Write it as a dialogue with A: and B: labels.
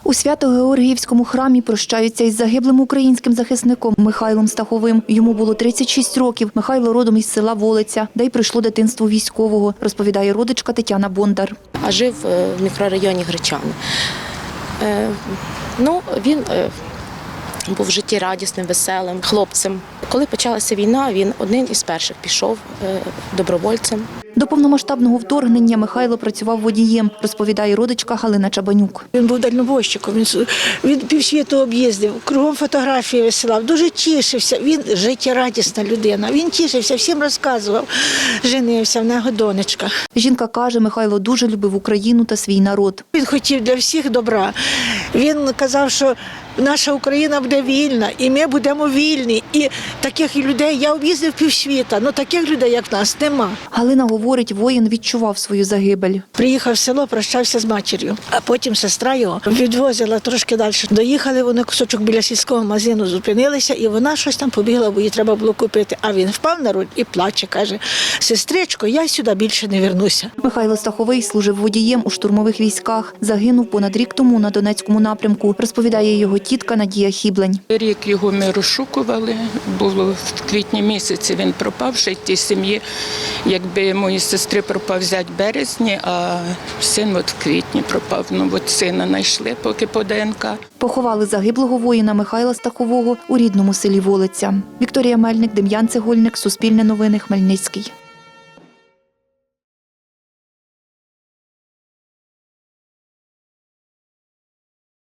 A: У Свято-Георгіївському храмі прощаються із загиблим українським захисником Михайлом Стаховим. Йому було 36 років. Михайло родом із села Волиця, де й пройшло дитинство військового, розповідає родичка Тетяна Бондар.
B: А жив в мікрорайоні Гречани. Він був життєрадісним, веселим хлопцем. Коли почалася війна, він один із перших пішов добровольцем.
A: До повномасштабного вторгнення Михайло працював водієм, розповідає родичка Галина Чабанюк.
C: Він був дальнобойщиком, він півсвіту об'їздив, кругом фотографії висилав, дуже тішився. Він життєрадісна людина, він тішився, всім розказував, женився, в нього донечка.
A: Жінка каже, Михайло дуже любив Україну та свій народ.
C: Він хотів для всіх добра. Він казав, що наша Україна буде вільна, і ми будемо вільні. І таких людей, я об'їздив півсвіта, але таких людей, як в нас, нема.
A: Галина говорить, воїн відчував свою загибель.
C: Приїхав в село, прощався з матір'ю, а потім сестра його відвозила трошки далі. Доїхали вони кусочок біля сільського магазину, зупинилися, і вона щось там побігла, бо їй треба було купити. А він впав на руль і плаче, каже: «Сестричко, я сюди більше не вернуся».
A: Михайло Стаховий служив водієм у штурмових військах. Загинув понад рік тому на Донецькому напрямку, розповідає його тітка Надія Хіблень.
D: Рік його ми розшукували, було в квітні місяці він пропав, ще й тій сім'ї, якби моїй сестри пропав зять в березні, а син в квітні пропав. Сина знайшли поки по ДНК.
A: Поховали загиблого воїна Михайла Стахового у рідному селі Волиця. Вікторія Мельник, Дем'ян Цегольник, Суспільне новини, Хмельницький.